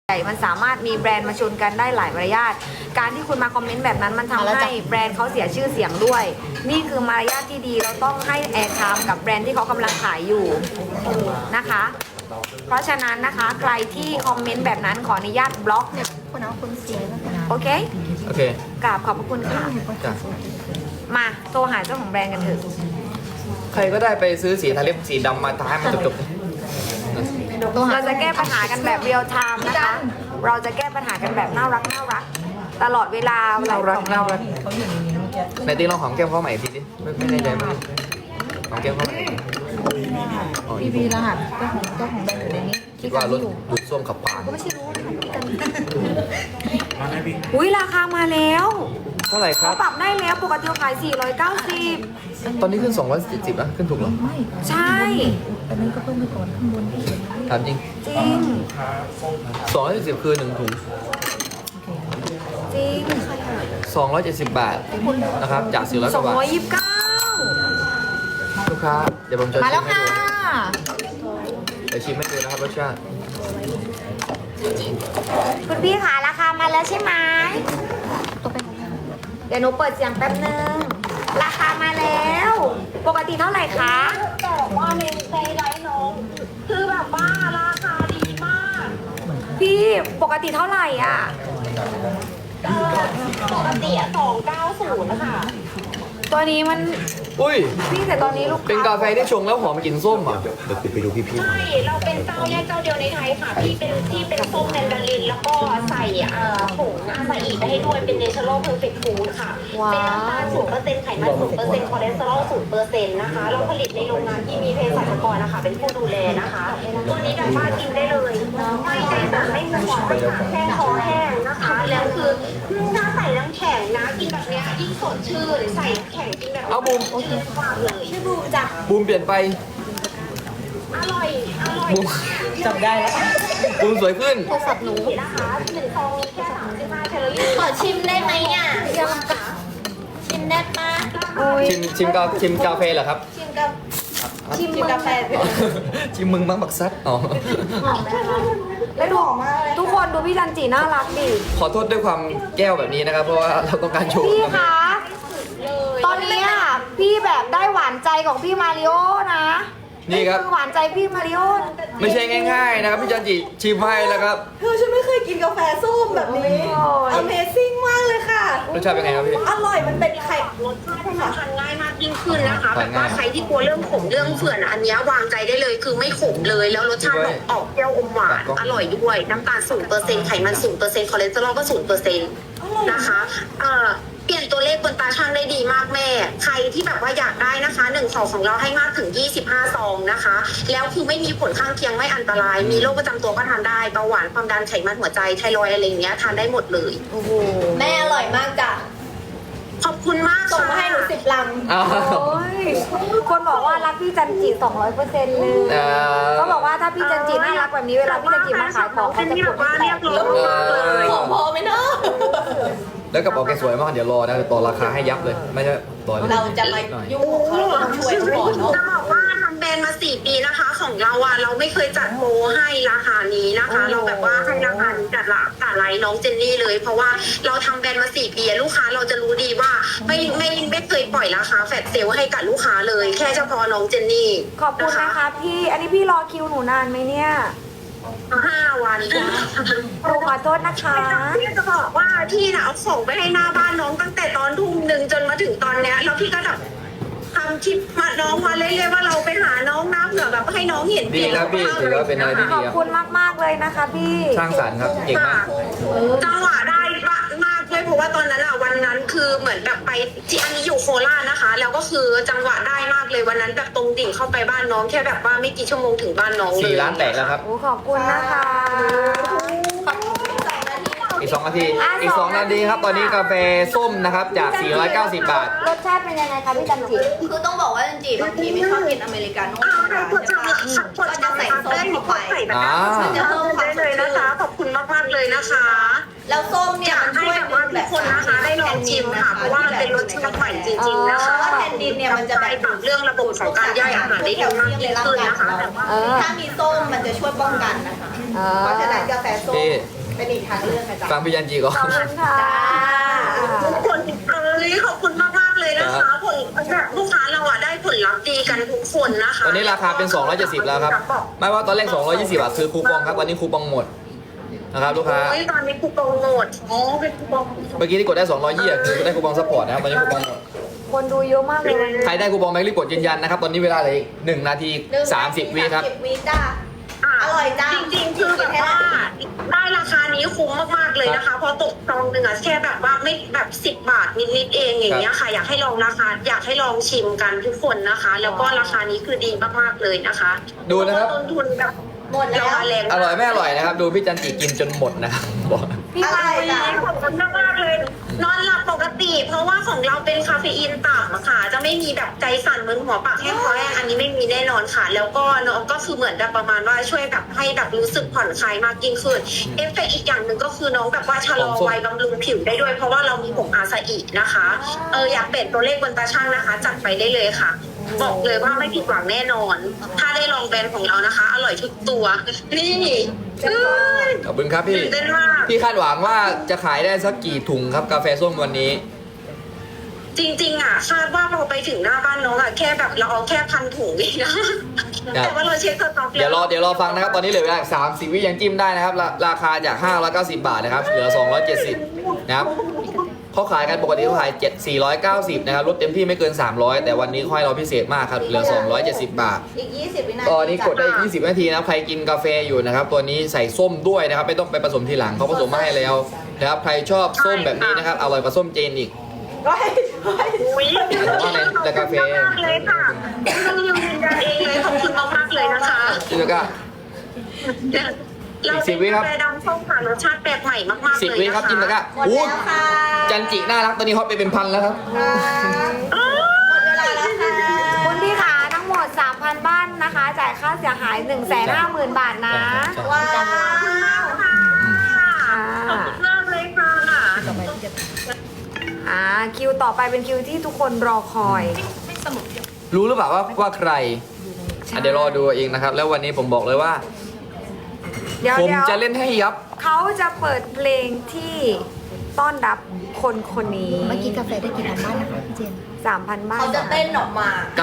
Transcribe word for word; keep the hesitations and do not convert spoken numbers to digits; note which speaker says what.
Speaker 1: ใหญ่มันสามารถมีแบรนด์มาชนกันได้หลายมารยาทการที่คุณมาคอมเมนต์แบบนั้นมันทำให้แบรนด์เขาเสียชื่อเสียงด้วยนี่คือมารยาทที่ดีเราต้องให้แอร์ไทม์กับแบรนด์ที่เขากำลังขายอยู่นะคะเพราะฉะนั้นนะคะใครที่คอมเมนต์แบบนั้นขออนุญาตบล็อก
Speaker 2: คนเอาคนเสียแล้วกัน
Speaker 1: โอเค
Speaker 3: โอเค
Speaker 1: กราบขอบพระคุณค่ะ
Speaker 3: จ้ะ
Speaker 1: มาโทรหาเจ้าของแบรนด์กันเถอะ
Speaker 3: ใครก็ได้ไปซื้อสีทาเล็บสีดำมาทาให้มันจบ
Speaker 1: เราจะแก้ปัญหากันแบบเรียลไทม์นะคะเราจะแก้ปัญหากันแบบน่ารักน่ารักตลอดเวลา
Speaker 3: น่ารักน่ารัก
Speaker 2: เขาอยู่ในนี้เมื่อกี้
Speaker 3: ในตีลองหอมแก้มเขาใหม่ทีดิไม่ไม่แน่ใจไหมหอมแก้มเขาใหม่อ๋อ
Speaker 2: พี่บีรหัสเจ้าของเจ้าของแบรนด์อยู่ในนี้
Speaker 3: คิดว่ารถดูดซ่วมขับผ่าน
Speaker 1: ก็ไม่ใช่รู้นะพี่กันอุ้ยราคามาแล้ว
Speaker 3: เท่าไหร่ครั
Speaker 1: เขา
Speaker 3: บ
Speaker 1: ปรับได้แล้วปกติขายสี่ร้อยเก้าสิบ
Speaker 3: ตอนนี้ขึ้นสองร้อยเจ็ดสิบนะขึ้นถูกเหรอ
Speaker 2: ไม่
Speaker 1: ใช่
Speaker 2: อันนั้นก็เพิ่มไปก่อนข้างบนที่เขียนไว้
Speaker 3: ถามจริง
Speaker 1: จริง
Speaker 3: สองร้อยเจ็ดสิบคือหนึ่งถุง
Speaker 1: จริง
Speaker 3: สองร้อยเจ็ดสิบบาทนะครับจากสี่ร้อย
Speaker 1: ส
Speaker 3: ก
Speaker 1: อง
Speaker 3: ว่าบาท
Speaker 1: ร้อยยี่สิบเก้า
Speaker 3: ลูกค้าเดี๋ยวผมจะ
Speaker 2: มา
Speaker 3: ชิ
Speaker 2: แล้ว
Speaker 3: มให้
Speaker 2: ค่ะ
Speaker 3: ดูเดี๋ยวชิมให้ดูนะครับรสชาติ
Speaker 1: คุณพี่คะราคามาแล้วใช่ไหม
Speaker 2: ตัวเป็นของแบรนด์
Speaker 1: เดี๋ยวหนูเปิดเสียงแป๊บนึงราคามาแล้ว ปกติเท่าไหร่คะ
Speaker 4: แต่ว่าในในไลฟ์น้องคือแบบว่าราคาดีมาก
Speaker 1: พี่ปกติเท่าไหร่อ่ะ
Speaker 4: เออปกติสองเก้าศูนย์ค่ะ
Speaker 1: ตัวนี้มัน
Speaker 3: อุ้ย
Speaker 1: พี่แต่ตอนนี้ลูกค้
Speaker 3: เป็นกาแฟที่ชงแล้วหอมกลิ่นส้มอ่ะ
Speaker 5: เดี๋ยวไปดูพี่ๆ
Speaker 4: ใช่เราเป็นเจ้าแรกเจ้าเดียวในไทยค่ะที่เป็นที่เป็นส้มแมนดารินแล้วก็ใส่เอ่อผงอาซาอิไปให้ด้วยเป็นเนเชอรัลเพอร์เฟคต์ฟู้ดค่ะเป็นน้ำตาลศูนย์เปอร์เซ็นต์ไขมันศูนย์เปอร์เซ็นต์คอเลสเตอรอลศูนย์เปอร์เซ็นต์นะคะเราผลิตในโรงงานที่มีเภสัชกรนะคะเป็นผู้ดูแลนะคะตัวนี้แบบว่ากินได้เลยไม่ได้แบบไม่มีความไม่หาแห้งคอแห้งนะคะแล้วคือถ้าใส่น้ำแข็งนะกินแบบเนี้ยยิ่งสดชื่นใส่น้ำแข็งกินแบบ
Speaker 3: เอาบูม
Speaker 4: ชื่นกว่าเลยชื่อบูมจ้ะ
Speaker 3: บูมเปลี่ยนไป
Speaker 4: อร่อย อร่อย
Speaker 3: บูม
Speaker 2: จำได้แล้ว
Speaker 3: บูมสวยขึ้น
Speaker 1: โทรศัพท์หนู
Speaker 4: นะคะหนึ่งซองมีแค่สามสิบห้าแคลอรี่
Speaker 2: ขอชิมได้ไหมอ่ะชิมได้ปะ
Speaker 1: โอ้ย
Speaker 3: ชิมชิมกาชิมกาแฟเหรอครับ
Speaker 2: ชิมกับ
Speaker 1: ชิมกาแฟ
Speaker 3: ชิมมึงมั้งบักซัดอ๋อ
Speaker 1: หอมไหมคะแล้วดูทุกคนดูพี่จันจีน่ารักดิ
Speaker 3: ขอโทษด้วยความแก้วแบบนี้นะครับ เพราะว่าเราต้องการโชว์
Speaker 1: พี่คะ ตอนนี้อ่ะพี่แบบได้หวานใจของพี่มาริโอนะ
Speaker 3: นี่ครับ
Speaker 1: อหวานใจพี่มาริโอ
Speaker 3: ไม่ใช่ง่ายๆนะครับพี่จันจิชิมให้แล้วครับ
Speaker 6: เธอฉันไม่เคยกินกาแฟส้มแบบนี้ Amazing มากเลยค่ะ
Speaker 3: รสชาติเป็นไงครับพี่
Speaker 6: อร่อยมันเป็นไข่
Speaker 4: รสชาติให้มันทานง่ายมากยิ่งขึ้นนะคะ
Speaker 3: ทา
Speaker 4: แบ
Speaker 3: น
Speaker 4: บ
Speaker 3: ง่าย
Speaker 4: ว่าใครที่กลัวเรื่องขมเรื่องเฝื่อนอันเนี้ยวางใจได้เลยคือไม่ขมเลย แล้วรสชาติออกออกเปรี้ยวอมหวานอร่อยด้วยน้ำตาลศูนย์เปอร์เซ็นต์ไขมันศูนย์เปอร์เซ็นต์คอเลสเตอรอลก็ศูนย์เปอร์เซ็นต์นะคะเอ่อเปลี่ยนตัวเลขบนตาช่างได้ดีมากแม่ ใครที่แบบว่าอยากได้นะคะหนึ่งซองของเราให้มากถึงยี่สิบห้าซองนะคะ แล้วคือไม่มีผลข้างเคียงไม่อันตราย มีโรคประจำตัวก็ทานได้เบาหวานความดันไขมันหัวใจไทรอยด์อะไรอย่างเงี้ยทานได้หมดเลย
Speaker 1: โอ้โห
Speaker 6: แม่อร่อยมากจ้ะ
Speaker 4: ขอบคุณมาก
Speaker 6: ส่งมา
Speaker 4: ค่ะ
Speaker 6: ให้หนูสิบลัง
Speaker 3: อ้าว
Speaker 1: โอ้ยคนบอกว่ารักพี่จันจีสองร้อยเปอร์เซ็นต์เลย
Speaker 3: อ่า
Speaker 1: เขาบอกว่าถ้าพี่จันจีน่ารักแบบนี้เวลาพี่จันจีมาขายของเขาจะกดให้แตก
Speaker 6: ของพอไหมเนาะ
Speaker 3: แล้วกระเป๋าแกสวยมากเดี๋ยวรอนะต่อราคาให้ยับเลย ไม่ใช่ต่อเลย
Speaker 6: เราจะมา
Speaker 3: หน่อย
Speaker 6: ยุ่งของเขาเราต้องช่วยเขาก่อนเนาะ
Speaker 4: จะบอกว่าทำแบรนด์มาสี่ปีนะคะ ของเราอ่ะเราไม่เคยจัดโปรให้ราคานี้นะคะ เราแบบว่าให้ราคานี้จัดละจัดไลน์น้องเจนนี่เลย เพราะว่าเราทำแบรนด์มาสี่ปีลูกค้าเราจะรู้ดีว่าไม่ไม่ไม่เคยปล่อยราคาแฟลตเซลล์ให้กับลูกค้าเลย แค่เฉพาะน้องเจนนี่
Speaker 1: ขอบคุณนะคะพี่ อันนี้พี่รอคิวหนูนานไหมเนี่ย
Speaker 4: ห้าวัน
Speaker 1: หนูขอโทษนะคะ
Speaker 4: พี่จะบอกว่าพี่น่ะเอาของไปให้หน้าบ้านน้องตั้งแต่ตอนทุ่มหนึ่งจนมาถึงตอนเนี้ยแล้วพี่ก็แบบทำคลิปมาน้องมาเรื่อยๆว่าเราไปหาน้องน้ำเหนือแบบให้น้องเห็น
Speaker 3: ดีครับพี่ถือว่าเป็นอะไรที่
Speaker 1: ข
Speaker 3: ดี
Speaker 1: อบ
Speaker 3: ครับ
Speaker 1: คุณมากๆเลยนะคะพี่
Speaker 3: สร้างสรรค์ครับเก่งมาก
Speaker 4: จังหวะได้มากเลยเพราะว่าตอนนั้นอะวันนั้นคือเหมือนแบบไปที่อันนี้อยู่โคราชนะคะ แล้วก็คือจังหวะได้มากเลยวันนั้นแบบตรงดิ่งเข้าไปบ้านน้องแค่แบบว่าไม่กี่ชั่วโมงถึงบ้านน้องเลย
Speaker 3: สี่ล้านแตกแล้วครับ
Speaker 1: โอ้ขอบคุณนะคะ
Speaker 3: อีกสองนาที อีกสองนาทีครับ ตอนนี้กาแฟส้มนะครับ จากสี่ร้อยเก้าสิบบาท
Speaker 1: รสชาติเป็นยังไงคะพี่จันจี
Speaker 6: คือต้องบอกว่าจริงๆบางทีไม่ชอบกินอเมริกาโน่
Speaker 4: อ้าว
Speaker 6: ธรรม
Speaker 4: ใคร
Speaker 6: ดา
Speaker 4: คน
Speaker 6: ใช่
Speaker 4: จะ
Speaker 6: ปะ
Speaker 4: คนจะใส่ส้มเข้าไปใส่แบบนั้น
Speaker 3: อ่า
Speaker 4: มันจะเพิ่มความได้เลยนะคะ ขอบคุณมากๆเลยนะคะ
Speaker 6: แล้วส้ม
Speaker 4: อ
Speaker 6: เนี่ย
Speaker 4: ยาก
Speaker 6: มัน
Speaker 4: ให้
Speaker 6: ช่วย
Speaker 4: แบบว่าทุกคนนะคะได้ลองชิมค่ะ เพราะว่ามันเป็นรสชาติใหม่จริงๆนะคะ
Speaker 6: เพราะว่าแทนดินเนี่ยมันจะแบบ
Speaker 4: ปรับเรื่องระบบของการย่อยอาหารได้ดีมากยิ่งขึ้นนะคะแต่ว่า
Speaker 1: เออ
Speaker 6: ถ้ามีส้มมันจะช่วยป้องกันนะคะ
Speaker 1: เออ
Speaker 6: เพราะฉะนั้นกาแฟส้ม
Speaker 3: พี่
Speaker 6: เป็นอีกทางเลือกนะจ๊ะ
Speaker 3: ฟังพี่ยันจีก่อน
Speaker 1: ขอบคุณค่ะ
Speaker 4: ทุกคนเอ้ยขอบคุณมากมากๆเลยนะคะผลแบบลูกค้าเราอะได้ผลลัพธ์ดีกันทุกคนนะคะ
Speaker 3: ตอนนี้ราคาเป็น สองร้อยเจ็ดสิบ แล้วครับ ไม่ว่าตอนแรก สองร้อยยี่สิบ บาทคือคูปองครับตอนนี้คูปองหมดนะครับลูกค้า
Speaker 4: โอ้ยตอนนี้คูปองหมดอ๋อเป็นคูปอง
Speaker 3: เมื่อกี้ที่กดได้ สองร้อยยี่สิบคือได้คูปองซัพพอร์ตนะครับตอนนี้คูปองหมด
Speaker 1: คนดูเยอะมากเลยวันนี้
Speaker 3: ใครได้คูปองแม็กรีบกดยืนยันนะครับตอนนี้เวลาเหลืออีกหนึ่งนาทีสามสิบวิครับ
Speaker 6: สามสิบวิจ้า
Speaker 4: อ่ะ
Speaker 6: อร่อยจัง
Speaker 4: จริงๆคือแบบว่าได้ราคานี้คุ้มมากๆเลยนะคะเพราะตกซองหนึ่งอะแค่แบบว่าไม่แบบสิบบาทนิดๆเองอย่างเงี้ยค่ะ อยากให้ลองราคาอยากให้ลองชิมกันทุกคนนะคะ แล้วก็ราคานี้คือดีมากๆเลยนะคะ
Speaker 3: ดูนะครับ
Speaker 4: ต้นทุนแบบ
Speaker 6: หมดแล้ว
Speaker 4: ราคาแรง
Speaker 3: อร่อยไม่อร่อยนะครับ ดูพี่จันจิกินจนหมดนะครับบอก
Speaker 1: พี่
Speaker 6: อ
Speaker 1: มา
Speaker 6: ร่อยจ้ะ
Speaker 4: ขอบคุณมากๆเลย นอนหลับปกติ เพราะว่าของเราเป็นคาเฟอีนต่ำอะค่ะ จะไม่มีแบบใจสั่นมึนหัวปากแห้งคอแห้งอันนี้ไม่มีแน่นอนค่ะ แล้วก็น้องก็คือเหมือนแบบประมาณว่าช่วยแบบให้แบบรู้สึกผ่อนคลายมากยิ่งขึ้นเอฟเฟกต์อีกอย่างหนึ่งก็คือน้องแบบว่าชะลอวัยบำรุงผิวได้ด้วย เพราะว่าเรามีผงอาซาอินะคะเอออยากเปลี่ยนตัวเลขบนตาช่างนะคะ จัดไปได้เลยค่ะ บอกเลยว่าไม่ผิดหวังแน่นอน ถ้าได้ลองแบรนด์ของเรานะคะ อร่อยทุกตัวนี่เอ้ย
Speaker 3: ขอบคุณครับพี่
Speaker 4: ตื่นเต้นมาก
Speaker 3: พี่คาดหวังว่าจะขายได้สักกี่ถุงครับกาแฟส้มวันนี้
Speaker 4: จริงๆอ่ะคาดว่าพอไปถึงหน้าบ้านน้องอ่ะแค่แบบเราเอาแค่พันถุงเองนะแต่ว่าเราเช็คสต็อกแล้ว
Speaker 3: เดี๋ยวรอเดี๋ยวรอฟังนะครับ ตอนนี้เหลือเวลาสามสิบวิยังจิ้มได้นะครับราราคาจากห้าร้อยเก้าสิบบาทนะครับเหลือสองร้อยเจ็ดสิบนะครับเขาขายกันปกติเขาขายเจ็ด สี่ร้อยเก้าสิบนะครับลดเต็มที่ไม่เกินสามร้อยแต่วันนี้ค่อยเราพิเศษมากครับเหลือสองร้อยเจ็ดสิบบาท
Speaker 6: อีกยี่สิบวินาที
Speaker 3: ตอนนี้กดได้
Speaker 6: จ้ะ
Speaker 3: ยี่สิบนาทีนะครับใครกินกาแฟอยู่นะครับตัวนี้ใส่ส้มด้วยนะครับไม่ต้องไปผสมทีหลังเขาผสมมาให้แล้วนะครับใครชอบส้มแบบนี้นะครับอร่อยกว่าส้มเจนอีก
Speaker 6: ร้อยร้อย
Speaker 4: อุ้ย
Speaker 3: ว่าในแต่กาแฟ
Speaker 4: ขอบคุณมากๆเลยค่ะต้องยืนยันเองเลยขอบคุณมากๆเลยนะคะ
Speaker 3: จิโนก้า
Speaker 4: เรา
Speaker 3: สิ
Speaker 4: เป็
Speaker 3: บ
Speaker 4: น
Speaker 3: วิครับ
Speaker 4: กาแฟดำส้มค่ะรสชาติแปลกใหม่มากๆ
Speaker 3: สิบ
Speaker 4: เลย
Speaker 3: วิ
Speaker 4: นะ
Speaker 3: ครับจิโน
Speaker 4: คะ
Speaker 3: ก้า
Speaker 6: หมด
Speaker 3: อู้
Speaker 6: แล้วค่ะ
Speaker 3: จันจิน่ารักตอนนี้ฮอตไปเป็นพันแล้วครับ
Speaker 6: ครับ
Speaker 4: อ้าว
Speaker 6: หมดเวลาแล้วค่ะ
Speaker 1: คุณพี่ขาทั้งหมด สามพัน บ้านนะคะ จ่ายค่าเสียหาย หนึ่งแสนห้าหมื่น บาทนะ
Speaker 6: ว้าว
Speaker 4: ค่ะขอบคุณมากเลยค่ะ
Speaker 1: อ่าคิวต่อไปเป็นคิวที่ทุกคนรอคอย
Speaker 3: รู้หรือเปล่าว่าว่าใครอ่ะเดี๋ยวรอดูเองนะครับ แล้ววันนี้ผมบอกเลยว่า
Speaker 1: เดี๋ยว
Speaker 3: ผม
Speaker 1: เดี๋ยว
Speaker 3: จะเล่นให้ยับ
Speaker 1: เขาจะเปิดเพลงที่ต้อนรับคนคนนี้
Speaker 2: เมื่อกี้กาแฟได้กี่พันบ้านนะคะพี่เจน
Speaker 1: สามพัน บ้าน
Speaker 6: เขาจะเต้นออกมา